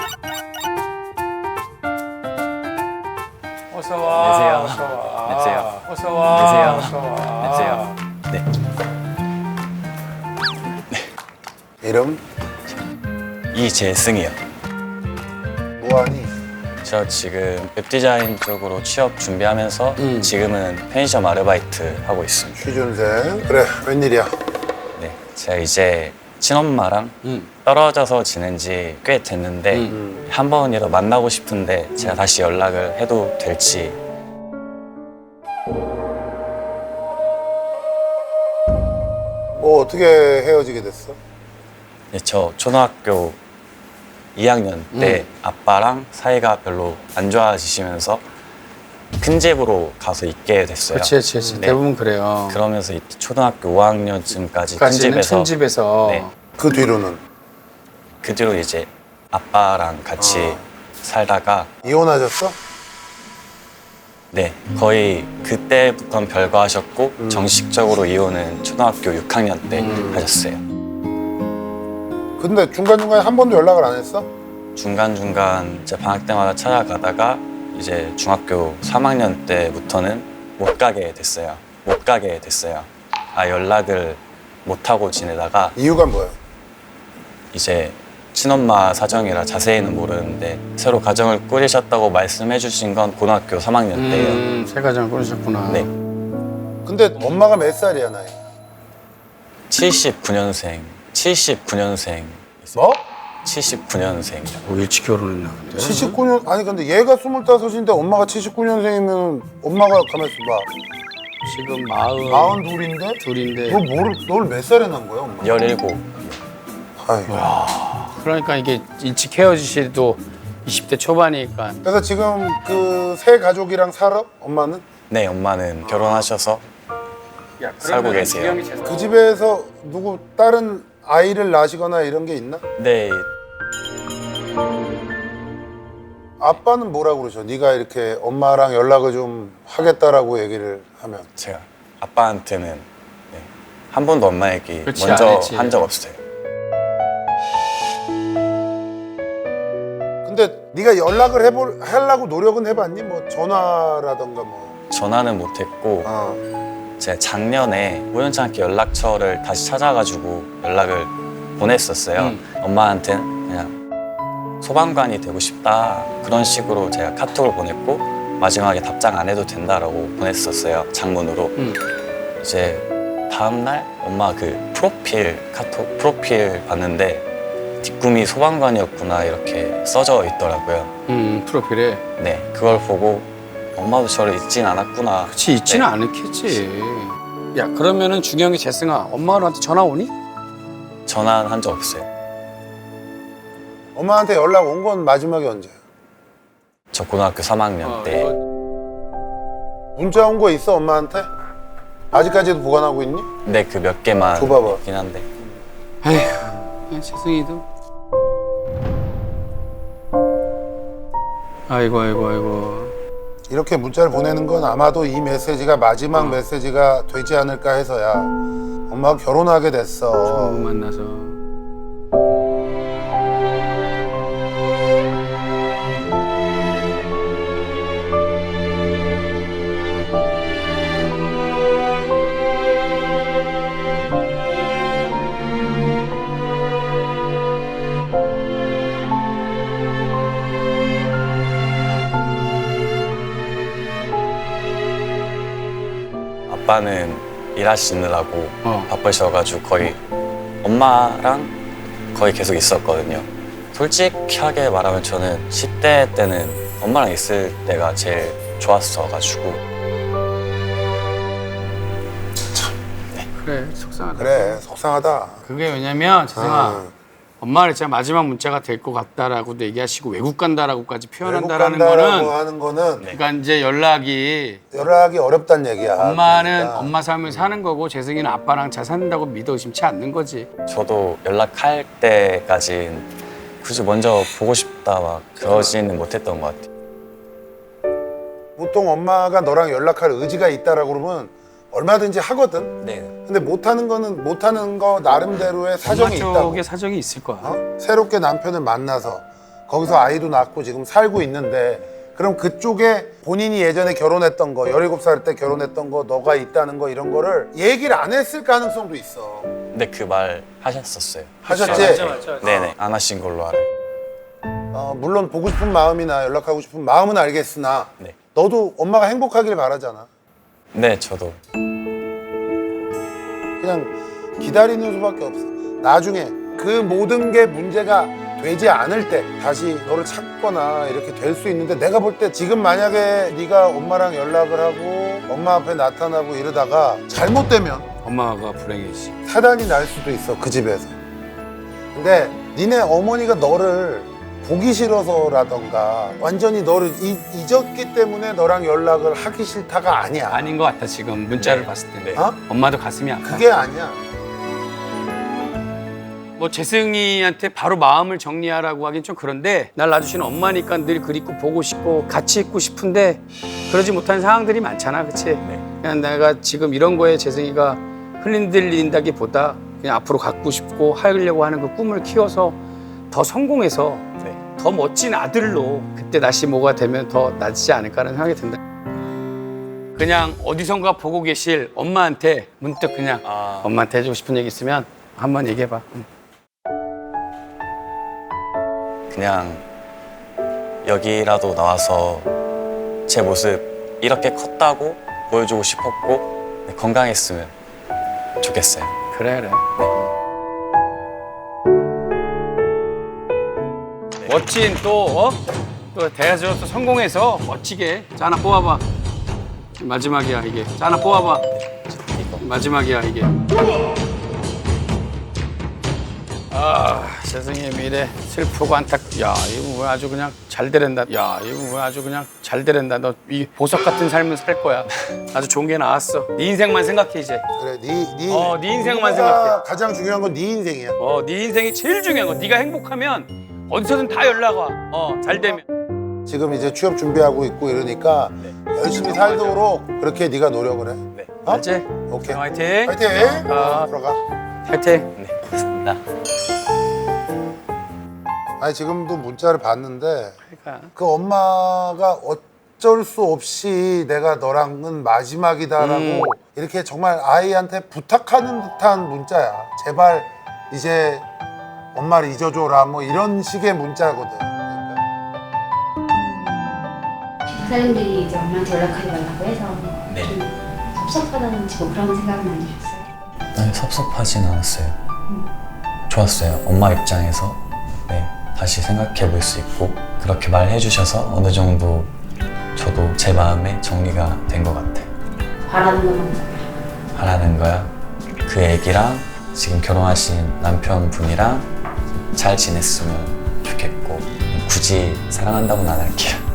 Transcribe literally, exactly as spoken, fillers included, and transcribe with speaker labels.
Speaker 1: 어서 와.
Speaker 2: 안녕하세요.
Speaker 1: 어서 와.
Speaker 2: 안녕하세요.
Speaker 1: 어서 와.
Speaker 2: 안녕하세요.
Speaker 1: 어서 와.
Speaker 2: 안녕하세요. 네.
Speaker 3: 이름?
Speaker 2: 이재승이요.
Speaker 3: 뭐하니?
Speaker 2: 저 지금 웹디자인 쪽으로 취업 준비하면서
Speaker 3: 음.
Speaker 2: 지금은 편의점 아르바이트 하고 있습니다.
Speaker 3: 취준생. 그래, 웬일이야?
Speaker 2: 네, 제가 이제 친엄마랑
Speaker 1: 음.
Speaker 2: 떨어져서 지낸 지 꽤 됐는데
Speaker 1: 음.
Speaker 2: 한 번이라도 만나고 싶은데 제가 다시 연락을 해도 될지.
Speaker 3: 뭐 어떻게 헤어지게 됐어?
Speaker 2: 네, 저 초등학교 이 학년 때
Speaker 1: 음.
Speaker 2: 아빠랑 사이가 별로 안 좋아지시면서 큰 집으로 가서 있게 됐어요.
Speaker 1: 그렇지, 그렇지, 그렇지.
Speaker 2: 네.
Speaker 1: 대부분 그래요.
Speaker 2: 그러면서 이 초등학교 오 학년쯤까지 큰
Speaker 1: 까지는
Speaker 2: 집에서
Speaker 1: 큰 집에서.
Speaker 2: 네.
Speaker 3: 그 뒤로는
Speaker 2: 그 뒤로 이제 아빠랑 같이
Speaker 3: 어.
Speaker 2: 살다가
Speaker 3: 이혼하셨어?
Speaker 2: 네 거의 그때부터는 별거하셨고
Speaker 3: 음.
Speaker 2: 정식적으로 이혼은 초등학교 육 학년 때
Speaker 1: 음.
Speaker 2: 하셨어요.
Speaker 3: 근데 중간중간에 한 번도 연락을 안 했어?
Speaker 2: 중간중간 이제 방학 때마다 찾아가다가 이제 중학교 삼 학년 때부터는 못 가게 됐어요. 못 가게 됐어요. 아 연락을 못 하고 지내다가
Speaker 3: 이유가 뭐야?
Speaker 2: 이제 친엄마 사정이라 자세히는 모르는데 새로 가정을 꾸리셨다고 말씀해 주신 건 고등학교 삼 학년 때예요.
Speaker 1: 음, 새 가정을 꾸리셨구나.
Speaker 2: 네.
Speaker 3: 근데 엄마가 몇 살이야, 나이?
Speaker 2: 칠십구 년생. 칠십구 년생.
Speaker 3: 뭐?
Speaker 2: 칠십구 년생.
Speaker 1: 어, 일찍 결혼했나 본데.
Speaker 3: 칠십구 년, 아니 근데 얘가 스물다섯인데 엄마가 칠십구 년생이면 엄마가 가만있어 봐.
Speaker 1: 지금 마흔.
Speaker 3: 마흔 둘인데?
Speaker 1: 둘인데.
Speaker 3: 너 뭐를, 널 몇 살에 낳은 거야, 엄마?
Speaker 2: 열일곱.
Speaker 3: 아이고.
Speaker 1: 그러니까 이게 일찍 헤어지시도 이십 대 초반이니까.
Speaker 3: 그래서 지금 그 새 가족이랑 살아? 엄마는?
Speaker 2: 네, 엄마는 결혼하셔서
Speaker 1: 야,
Speaker 2: 살고 계세요.
Speaker 3: 그 집에서 누구 다른 아이를 낳으시거나 이런 게 있나?
Speaker 2: 네,
Speaker 3: 아빠는 뭐라고 그러셔? 네가 이렇게 엄마랑 연락을 좀 하겠다라고 얘기를 하면.
Speaker 2: 제가 아빠한테는 네, 한 번도 엄마 얘기
Speaker 1: 그렇지, 안
Speaker 2: 먼저
Speaker 1: 했지.
Speaker 2: 한 적 없어요.
Speaker 3: 근데 네가 연락을 해볼 하려고 노력은 해봤니? 뭐 전화라던가 뭐.
Speaker 2: 전화는 못했고
Speaker 3: 어.
Speaker 2: 제가 작년에 우연치 않게 연락처를 다시 찾아가지고 연락을 보냈었어요.
Speaker 1: 음.
Speaker 2: 엄마한테는 그냥 소방관이 되고 싶다 그런 식으로 제가 카톡을 보냈고 마지막에 답장 안 해도 된다라고 보냈었어요. 장문으로.
Speaker 1: 음.
Speaker 2: 이제 다음 날 엄마 그 프로필 카톡 프로필 봤는데 뒷꿈이 소방관이었구나 이렇게 써져 있더라고요.
Speaker 1: 음, 프로필에.
Speaker 2: 네, 그걸 보고 엄마도 저를 잊진 않았구나.
Speaker 1: 그치, 있지는
Speaker 2: 네.
Speaker 1: 않겠지. 야, 그러면은 중요한 게 재승아, 엄마한테 전화 오니?
Speaker 2: 전화는 한 적 없어요.
Speaker 3: 엄마한테 연락 온 건 마지막에 언제야?
Speaker 2: 저 고등학교 삼 학년
Speaker 1: 어,
Speaker 2: 때
Speaker 3: 문자 온 거 있어 엄마한테? 아직까지도 보관하고 있니?
Speaker 2: 네, 그 몇 개만
Speaker 3: 줘봐봐.
Speaker 2: 있긴 한데
Speaker 1: 에휴, 재승이도. 아이고, 아이고, 아이고.
Speaker 3: 이렇게 문자를 보내는 건 아마도 이 메시지가 마지막 메시지가 되지 않을까 해서야. 엄마가 결혼하게 됐어.
Speaker 1: 처음 만나서.
Speaker 2: 아빠는 일하시느라고
Speaker 1: 어.
Speaker 2: 바쁘셔가지고 거의 엄마랑 거의 계속 있었거든요. 솔직하게 말하면 저는 십 대 때는 엄마랑 있을 때가 제일 좋았어가지고
Speaker 1: 그래, 속상하다.
Speaker 3: 그래 속상하다.
Speaker 1: 그게 왜냐면 재승아,
Speaker 3: 어.
Speaker 1: 엄마는 진짜 마지막 문자가 될 것 같다라고도 얘기하시고 외국 간다라고까지
Speaker 3: 외국
Speaker 1: 표현한다라는
Speaker 3: 간다라고
Speaker 1: 거는
Speaker 3: 하는 거는
Speaker 2: 네.
Speaker 1: 그러니까 이제 연락이
Speaker 3: 연락이 어렵다는 얘기야.
Speaker 1: 엄마는
Speaker 3: 그러니까.
Speaker 1: 엄마 삶을 사는 거고 재승이는 아빠랑 잘 산다고 믿어 의심치 않는 거지.
Speaker 2: 저도 연락할 때까진 굳이 먼저 보고 싶다 막 그러지는 못했던 것 같아요.
Speaker 3: 보통 엄마가 너랑 연락할 의지가 있다라고 그러면 얼마든지 하거든.
Speaker 2: 네.
Speaker 3: 근데 못하는 거는 못하는 거 나름대로의 사정이
Speaker 1: 엄마
Speaker 3: 있다고.
Speaker 1: 쪽에 사정이 있을 거야.
Speaker 3: 어? 새롭게 남편을 만나서 거기서 아이도 낳고 지금 살고 있는데 그럼 그쪽에 본인이 예전에 결혼했던 거 열일곱 살 때 결혼했던 거 너가 있다는 거 이런 거를 얘기를 안 했을 가능성도 있어.
Speaker 2: 근데 그 말 하셨었어요.
Speaker 3: 하셨지?
Speaker 1: 맞아, 맞아, 맞아.
Speaker 2: 네네. 안 하신 걸로 알아요.
Speaker 3: 어, 물론 보고 싶은 마음이나 연락하고 싶은 마음은 알겠으나
Speaker 2: 네.
Speaker 3: 너도 엄마가 행복하길 바라잖아.
Speaker 2: 네, 저도.
Speaker 3: 그냥 기다리는 수밖에 없어. 나중에 그 모든 게 문제가 되지 않을 때 다시 너를 찾거나 이렇게 될 수 있는데 내가 볼 때 지금 만약에 네가 엄마랑 연락을 하고 엄마 앞에 나타나고 이러다가 잘못되면
Speaker 1: 엄마가 불행해지.
Speaker 3: 사단이 날 수도 있어 그 집에서. 근데 니네 어머니가 너를 보기 싫어서라던가 완전히 너를 이- 잊었기 때문에 너랑 연락을 하기 싫다가 아니야.
Speaker 1: 아닌 것 같아 지금 문자를
Speaker 2: 네.
Speaker 1: 봤을 때.
Speaker 2: 네.
Speaker 3: 어?
Speaker 1: 엄마도 가슴이 아파.
Speaker 3: 그게 아니야.
Speaker 1: 뭐 재승이한테 바로 마음을 정리하라고 하긴 좀 그런데 날 놔주시는 엄마니까 늘 그립고 보고 싶고 같이 있고 싶은데 그러지 못한 상황들이 많잖아, 그치?
Speaker 2: 네.
Speaker 1: 그냥 내가 지금 이런 거에 재승이가 흔들린다기보다 그냥 앞으로 갖고 싶고 하려고 하는 그 꿈을 키워서 더 성공해서
Speaker 2: 네.
Speaker 1: 더 멋진 아들로 그때 다시 뭐가 되면 더 낫지 않을까라는 생각이 든다. 그냥 어디선가 보고 계실 엄마한테 문득 그냥
Speaker 2: 아.
Speaker 1: 엄마한테 해주고 싶은 얘기 있으면 한번 얘기해봐. 응.
Speaker 2: 그냥 여기라도 나와서 제 모습 이렇게 컸다고 보여주고 싶었고 네, 건강했으면 좋겠어요.
Speaker 1: 그래 그래. 멋진 또 어? 또 대학에서 또 성공해서 멋지게 자 하나 뽑아봐. 마지막이야 이게. 자 하나 뽑아봐. 마지막이야 이게. 아 세상의 미래 슬프고 안타. 야 이거 뭐 아주 그냥 잘 되랜다. 야 이거 뭐 아주 그냥 잘 되랜다. 너 이 보석 같은 삶을 살 거야. 아주 좋은 게 나왔어. 네 인생만 생각해 이제.
Speaker 3: 그래, 네, 네,
Speaker 1: 어, 네 인생만
Speaker 3: 네가
Speaker 1: 생각해.
Speaker 3: 가장 중요한 건 네 인생이야.
Speaker 1: 어, 네 인생이 제일 중요한 거. 네가 행복하면 어디서든 다 연락 와. 어, 잘 되면.
Speaker 3: 지금 이제 취업 준비하고 있고 이러니까 열심히 살도록 그렇게 네가 노력을 해.
Speaker 2: 네.
Speaker 3: 어?
Speaker 1: 알지?
Speaker 3: 오케이.
Speaker 1: 화이팅.
Speaker 3: 화이팅.
Speaker 1: 아.
Speaker 3: 들어가.
Speaker 1: 화이팅.
Speaker 2: 네. 고맙습니다.
Speaker 3: 아니 지금도 문자를 봤는데
Speaker 1: 그러니까.
Speaker 3: 그 엄마가 어쩔 수 없이 내가 너랑은 마지막이다라고
Speaker 1: 음.
Speaker 3: 이렇게 정말 아이한테 부탁하는 듯한 문자야. 제발 이제 엄마를 잊어줘라 뭐 이런 식의 문자거든. 그러니까
Speaker 4: 사람들이 이제 엄마한테 연락하지 말라고 해서
Speaker 2: 네.
Speaker 4: 좀 섭섭하다는 지금 그런 생각은 안 드셨어요?
Speaker 2: 아니, 섭섭하진 않았어요. 좋았어요. 엄마 입장에서 네, 다시 생각해 볼 수 있고 그렇게 말해 주셔서 어느 정도 저도 제 마음에 정리가 된 것 같아요.
Speaker 4: 바라는 것만
Speaker 2: 하라는 거야. 그 애기랑 지금 결혼하신 남편분이랑 잘 지냈으면 좋겠고 굳이 사랑한다고는 안 할게요.